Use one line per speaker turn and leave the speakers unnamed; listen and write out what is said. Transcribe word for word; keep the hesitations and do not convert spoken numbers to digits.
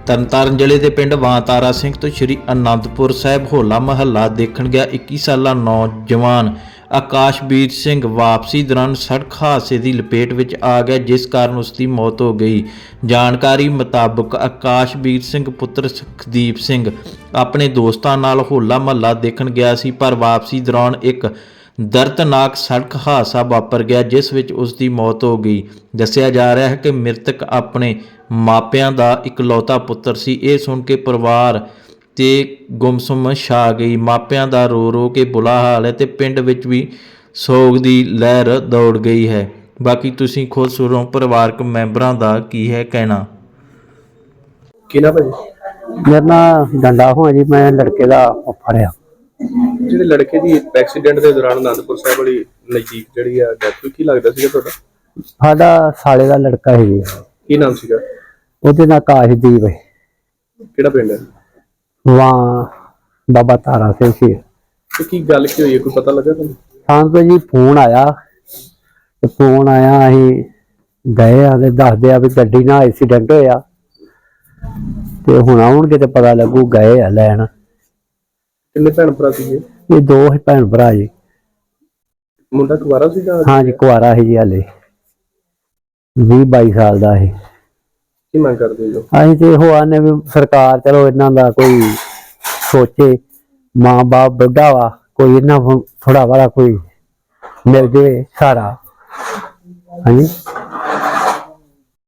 ਤਰਨਤਾਰਨ ਜ਼ਿਲ੍ਹੇ ਦੇ ਪਿੰਡ ਵਾਂਤਾਰਾ ਸਿੰਘ ਤੋਂ ਸ਼੍ਰੀ ਅਨੰਦਪੁਰ ਸਾਹਿਬ ਹੋਲਾ ਮਹੱਲਾ ਦੇਖਣ ਗਿਆ ਇੱਕੀ ਸਾਲਾ ਨੌਜਵਾਨ ਆਕਾਸ਼ਵੀਰ ਸਿੰਘ ਵਾਪਸੀ ਦੌਰਾਨ ਸੜਕ ਹਾਦਸੇ ਦੀ ਲਪੇਟ ਵਿੱਚ ਆ ਗਿਆ, ਜਿਸ ਕਾਰਨ ਉਸ ਦੀ ਮੌਤ ਹੋ ਗਈ। ਜਾਣਕਾਰੀ ਮੁਤਾਬਕ ਆਕਾਸ਼ਵੀਰ ਸਿੰਘ ਪੁੱਤਰ ਸੁਖਦੀਪ ਸਿੰਘ ਆਪਣੇ ਦੋਸਤਾਂ ਨਾਲ ਹੋਲਾ ਮਹੱਲਾ ਦੇਖਣ ਗਿਆ ਸੀ, ਪਰ ਵਾਪਸੀ ਦੌਰਾਨ ਇੱਕ ਦਰਦਨਾਕ ਸੜਕ ਹਾਦਸਾ ਵਾਪਰ ਗਿਆ, ਜਿਸ ਵਿੱਚ ਉਸ ਦੀ ਮੌਤ ਹੋ ਗਈ। ਦੱਸਿਆ ਜਾ ਰਿਹਾ ਹੈ ਕਿ ਮ੍ਰਿਤਕ ਆਪਣੇ ਮਾਪਿਆਂ ਦਾ ਇਕਲੌਤਾ ਪੁੱਤਰ ਸੀ। ਇਹ ਸੁਣ ਕੇ ਪਰਿਵਾਰ ਤੇ ਗੁੰਮਸੁੰਮ ਛਾ ਗਈ। ਮਾਪਿਆਂ ਦਾ ਰੋ ਰੋ ਕੇ ਬੁਰਾ ਹਾਲ ਹੈ ਤੇ ਪਿੰਡ ਵਿੱਚ ਵੀ ਸੋਗ ਦੀ ਲਹਿਰ ਦੌੜ ਗਈ ਹੈ। ਬਾਕੀ ਤੁਸੀਂ ਖੁਦ ਸੁਣੋ ਪਰਿਵਾਰਕ ਮੈਂਬਰਾਂ ਦਾ ਕੀ ਹੈ ਕਹਿਣਾ।
ਕਿਹਨਾਂ ਭਾਜੀ?
ਮੇਰਾ ਨਾਮ ਡੰਡਾ ਹੋਇਆ ਜੀ, ਮੈਂ ਲੜਕੇ ਦਾ ਫੜਿਆ।
ਜਿਹੜੇ ਲੜਕੇ ਦੀ ਐਕਸੀਡੈਂਟ ਦੇ ਦੌਰਾਨ ਅਨੰਦਪੁਰ ਸਾਹਿਬ ਵਾਲੀ ਨਜ਼ਦੀਕ ਜਿਹੜੀ ਆ ਡੈਥ, ਕੀ ਲੱਗਦਾ ਸੀਗਾ ਤੁਹਾਡਾ?
ਸਾਡਾ ਸਾਲੇ ਦਾ ਲੜਕਾ ਹੈ ਜੀ।
ਕੀ ਨਾਮ ਸੀਗਾ
ਉਹਦੇ ਨਾਲ ਕਾਸ਼ਦੀਪ ਹੈ।
ਕਿਹੜਾ ਪਿੰਡ ਹੈ?
ਵਾਂ ਬਾਬਾ ਤਾਰਾ ਸਿੰਘ ਸੀ।
ਤੇ ਕੀ ਗੱਲ ਕੀ ਹੋਈ ਹੈ, ਕੋਈ ਪਤਾ ਲੱਗਾ ਤੁਹਾਨੂੰ?
ਸਾਨੂੰ ਜੀ ਫੋਨ ਆਇਆ ਤੇ ਫੋਨ ਆਇਆ ਅਸੀਂ ਗਏ ਆ ਤੇ ਦੱਸਦੇ ਆ ਵੀ ਗੱਡੀ ਨਾਲ ਐਕਸੀਡੈਂਟ ਹੋਇਆ ਤੇ ਹੁਣ ਆਉਣਗੇ ਤੇ ਪਤਾ ਲੱਗੂ। ਗਏ ਆ ਲੈਣ।
ਕਿੰਨੇ ਭੈਣ ਭਰਾ ਸੀਗੇ?
ਇਹ ਦੋ ਹੀ ਭੈਣ ਭਰਾ ਜੀ।
ਮੁੰਡਾ ਕੁਵਾਰਾ ਸੀਗਾ?
ਹਾਂ ਜੀ, ਕੁਆਰਾ ਸੀ ਜੀ, ਹਾਲੇ ਵੀਹ ਬਾਈ ਸਾਲ ਦਾ ਹੈ।
ਕੀ ਮੰਗ ਕਰਦੇ ਹੋ?
ਅਸੀਂ ਤੇ ਇਹੋ ਆਨੇ ਵੀ ਸਰਕਾਰ ਚਲੋ ਇਹਨਾਂ ਦਾ ਕੋਈ ਸੋਚੇ। ਮਾਂ ਬਾਪ ਬੁੱਢਾ ਵਾ, ਕੋਈ ਇਹਨਾਂ ਥੋੜਾ ਵਾਲਾ ਕੋਈ ਮਿਲ ਜਾਵੇ ਸਾਰਾ। ਹਾਂਜੀ।